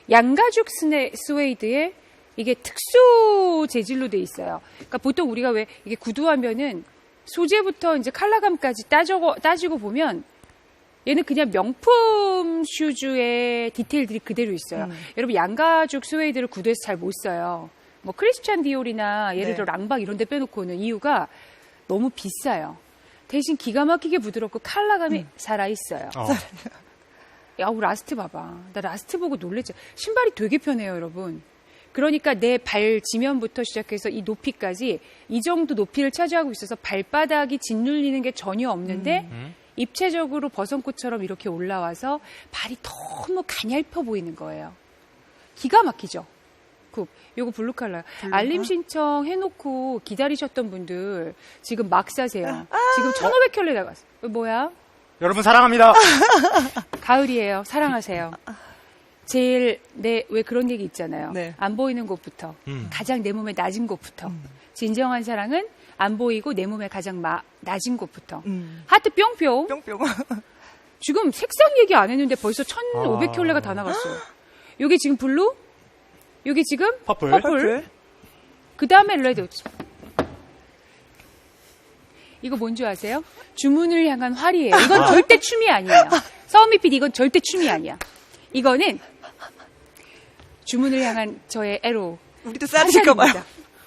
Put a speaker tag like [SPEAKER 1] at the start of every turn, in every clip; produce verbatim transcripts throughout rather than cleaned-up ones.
[SPEAKER 1] 양가죽 스네, 스웨이드에 이게 특수 재질로 돼 있어요. 그러니까 보통 우리가 왜 이게 구두하면은 소재부터 이제 컬러감까지 따지고, 따지고 보면 얘는 그냥 명품 슈즈의 디테일들이 그대로 있어요. 음. 여러분 양가죽 스웨이드를 구두에서 잘 못 써요. 뭐 크리스찬 디올이나 예를 들어 네. 랑박 이런 데 빼놓고는 이유가 너무 비싸요. 대신 기가 막히게 부드럽고 컬러감이 음. 살아있어요. 어. 야, 우리 라스트 봐봐. 나 라스트 보고 놀랬죠. 신발이 되게 편해요, 여러분. 그러니까 내 발 지면부터 시작해서 이 높이까지 이 정도 높이를 차지하고 있어서 발바닥이 짓눌리는 게 전혀 없는데 음. 입체적으로 버선꽃처럼 이렇게 올라와서 발이 너무 가냘퍼 보이는 거예요. 기가 막히죠? 굽. 요거 블루 컬러요. 알림 신청 해놓고 기다리셨던 분들 지금 막 사세요. 아~ 지금 천오백 켤레 나갔어. 뭐야?
[SPEAKER 2] 여러분 사랑합니다.
[SPEAKER 1] 가을이에요. 사랑하세요. 제일 내 왜 그런 얘기 있잖아요.
[SPEAKER 3] 네.
[SPEAKER 1] 안 보이는 곳부터 음. 가장 내 몸에 낮은 곳부터 음. 진정한 사랑은 안 보이고 내 몸에 가장 마, 낮은 곳부터 음. 하트 뿅뿅.
[SPEAKER 3] 뿅뿅.
[SPEAKER 1] 지금 색상 얘기 안 했는데 벌써 천오백 켤레가 아. 다 나갔어요. 요게 지금 블루? 요게 지금
[SPEAKER 2] 퍼플.
[SPEAKER 1] 퍼플. 그 다음에 레드. 이거 뭔지 아세요? 주문을 향한 활이에요. 이건 절대 춤이 아니에요. 서우미 피디 이건 절대 춤이 아니야. 이거는 주문을 향한 저의 애로.
[SPEAKER 3] 우리도 싸질까 봐요.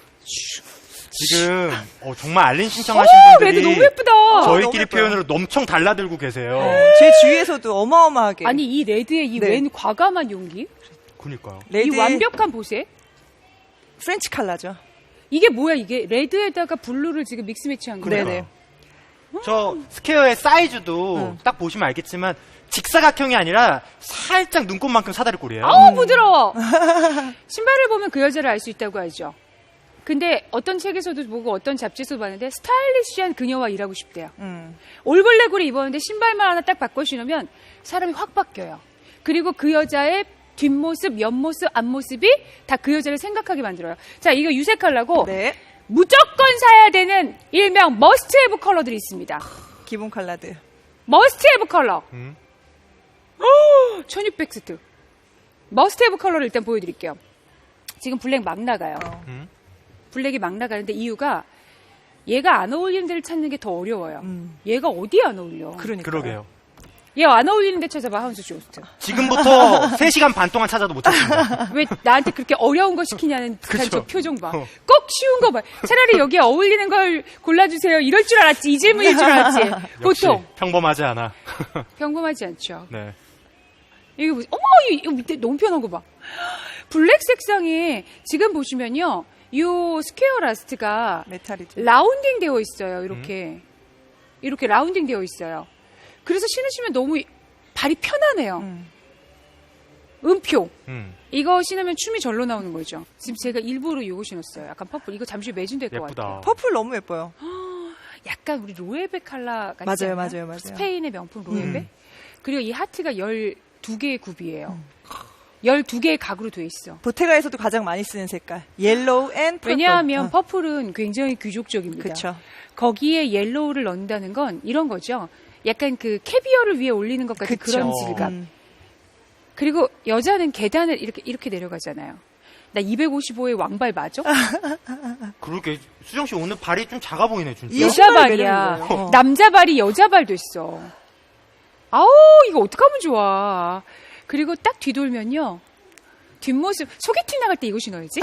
[SPEAKER 2] 지금 어, 정말 알림 신청하신
[SPEAKER 1] 오,
[SPEAKER 2] 분들이
[SPEAKER 1] 레드 너무 예쁘다.
[SPEAKER 2] 저희끼리 표현으로 엄청 달라들고 계세요.
[SPEAKER 3] 어, 제 주위에서도 어마어마하게.
[SPEAKER 1] 아니 이 레드의 이 웬 네. 과감한 용기.
[SPEAKER 2] 그니까요.
[SPEAKER 1] 이 완벽한 보색.
[SPEAKER 3] 프렌치 컬러죠.
[SPEAKER 1] 이게 뭐야 이게 레드에다가 블루를 지금 믹스 매치한 거예요.
[SPEAKER 3] 네네.
[SPEAKER 2] 저 스퀘어의 사이즈도 응. 딱 보시면 알겠지만 직사각형이 아니라 살짝 눈곱만큼 사다리꼴이에요.
[SPEAKER 1] 아우 부드러워. 신발을 보면 그 여자를 알 수 있다고 하죠. 근데 어떤 책에서도 보고 어떤 잡지에서도 봤는데 스타일리시한 그녀와 일하고 싶대요. 음. 올블랙으로 입었는데 신발만 하나 딱 바꿔 신으면 사람이 확 바뀌어요. 그리고 그 여자의 뒷모습, 옆모습, 앞모습이 다 그 여자를 생각하게 만들어요. 자, 이거 유색 컬러고
[SPEAKER 3] 네.
[SPEAKER 1] 무조건 사야 되는 일명 머스트 헤브 컬러들이 있습니다.
[SPEAKER 3] 기본 컬러들.
[SPEAKER 1] 머스트 헤브 컬러. 음. 천육백 스트. 머스트 헤브 컬러를 일단 보여드릴게요. 지금 블랙 막 나가요. 어. 음. 블랙이 막 나가는데 이유가 얘가 안 어울리는 데를 찾는 게 더 어려워요. 음. 얘가 어디에 안 어울려?
[SPEAKER 2] 그러니까. 그러게요.
[SPEAKER 1] 얘 안 어울리는 데 찾아봐, 하운스 쇼스트.
[SPEAKER 2] 지금부터 세 시간 반 동안 찾아도 못 찾습니다.
[SPEAKER 1] 왜 나한테 그렇게 어려운 거 시키냐는 듯한
[SPEAKER 2] 그쵸?
[SPEAKER 1] 저 표정 봐.
[SPEAKER 2] 어.
[SPEAKER 1] 꼭 쉬운 거 봐. 차라리 여기에 어울리는 걸 골라주세요. 이럴 줄 알았지. 이 질문일 줄 알았지. 보통.
[SPEAKER 2] 평범하지 않아.
[SPEAKER 1] 평범하지 않죠.
[SPEAKER 2] 네.
[SPEAKER 1] 이거 무슨, 어머, 이거 밑에 너무 편한 거 봐. 블랙 색상에 지금 보시면요. 요 스퀘어 라스트가
[SPEAKER 3] 메탈이죠.
[SPEAKER 1] 라운딩 되어 있어요. 이렇게. 음. 이렇게 라운딩 되어 있어요. 그래서 신으시면 너무 발이 편하네요. 음. 음표. 음. 이거 신으면 춤이 절로 나오는 거죠. 지금 제가 일부러 이거 신었어요. 약간 퍼플. 이거 잠시 매진될 것 같아요.
[SPEAKER 3] 퍼플 너무 예뻐요.
[SPEAKER 1] 약간 우리 로에베 컬러 같지
[SPEAKER 3] 맞아요,
[SPEAKER 1] 않아요?
[SPEAKER 3] 맞아요, 맞아요.
[SPEAKER 1] 스페인의 명품 로에베. 음. 그리고 이 하트가 열두 개의 굽이에요. 음. 열두 개의 각으로 돼 있어.
[SPEAKER 3] 보테가에서도 가장 많이 쓰는 색깔. 옐로우 앤 퍼플.
[SPEAKER 1] 왜냐하면
[SPEAKER 3] 어.
[SPEAKER 1] 퍼플은 굉장히 귀족적입니다.
[SPEAKER 3] 그렇죠.
[SPEAKER 1] 거기에 옐로우를 넣는다는 건 이런 거죠. 약간 그 캐비어를 위에 올리는 것 같은
[SPEAKER 3] 그쵸.
[SPEAKER 1] 그런 질감. 음. 그리고 여자는 계단을 이렇게 이렇게 내려가잖아요. 나 이백오십오의 왕발 맞아?
[SPEAKER 2] 그러게 수정 씨 오늘 발이 좀 작아 보이네 진짜.
[SPEAKER 1] 여자 발이야. 어. 남자 발이 여자 발 됐어. 아우 이거 어떡하면 좋아. 그리고 딱 뒤돌면요. 뒷모습 소개팅 나갈 때 이거 신어야지.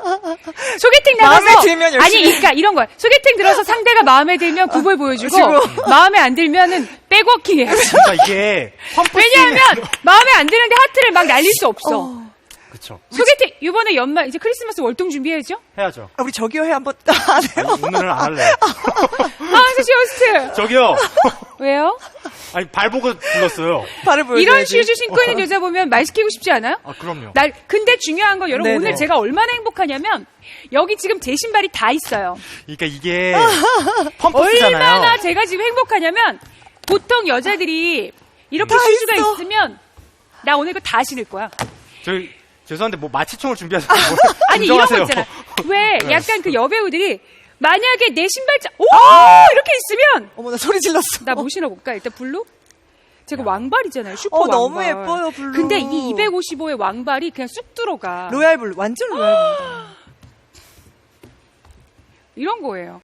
[SPEAKER 1] 소개팅 나가서
[SPEAKER 3] 마음에 들면 열심히.
[SPEAKER 1] 아니 그러니까 이런 거야. 소개팅 들어서 상대가 마음에 들면 굽을 보여주고 마음에 안 들면은 백워킹 해야지.
[SPEAKER 2] 그러니까 이게
[SPEAKER 1] 왜냐하면 마음에 안 드는데 하트를 막 날릴 수 없어. 어.
[SPEAKER 2] 그렇죠.
[SPEAKER 1] 소개팅 이번에 연말 이제 크리스마스 월동 준비해야죠.
[SPEAKER 2] 해야죠.
[SPEAKER 3] 아, 우리 저기요 해 한번 안 해요.
[SPEAKER 2] 아니, 오늘은 안 할래요.
[SPEAKER 1] 하은수 씨 호스트.
[SPEAKER 2] 저기요.
[SPEAKER 1] 왜요?
[SPEAKER 2] 아니 발 보고 불렀어요.
[SPEAKER 3] 발을 보여줘야지.
[SPEAKER 1] 이런 슈즈 신고 있는 여자 보면 말 시키고 싶지 않아요?
[SPEAKER 2] 아 그럼요.
[SPEAKER 1] 날 근데 중요한 건 여러분
[SPEAKER 3] 네네.
[SPEAKER 1] 오늘 제가 얼마나 행복하냐면 여기 지금 제 신발이 다 있어요.
[SPEAKER 2] 그러니까 이게 펌프스잖아요.
[SPEAKER 1] 얼마나 제가 지금 행복하냐면 보통 여자들이 이렇게 슈즈가
[SPEAKER 3] 있어.
[SPEAKER 1] 있으면 나 오늘 이거 다 신을 거야.
[SPEAKER 2] 저희 죄송한데 뭐 마취총을 준비하세요.
[SPEAKER 1] 아니 이런 거 있잖아. 왜 약간 그 여배우들이 만약에 내 신발장 오 이렇게 있으면
[SPEAKER 3] 어머 나 소리 질렀어.
[SPEAKER 1] 나 뭐 신어볼까? 일단 블루 제가 왕발이잖아요. 슈퍼
[SPEAKER 3] 어,
[SPEAKER 1] 왕발.
[SPEAKER 3] 너무 예뻐요, 블루.
[SPEAKER 1] 근데 이 이백오십오의 왕발이 그냥 쑥 들어가.
[SPEAKER 3] 로얄 블루. 완전 로얄 블루.
[SPEAKER 1] 이런 거예요.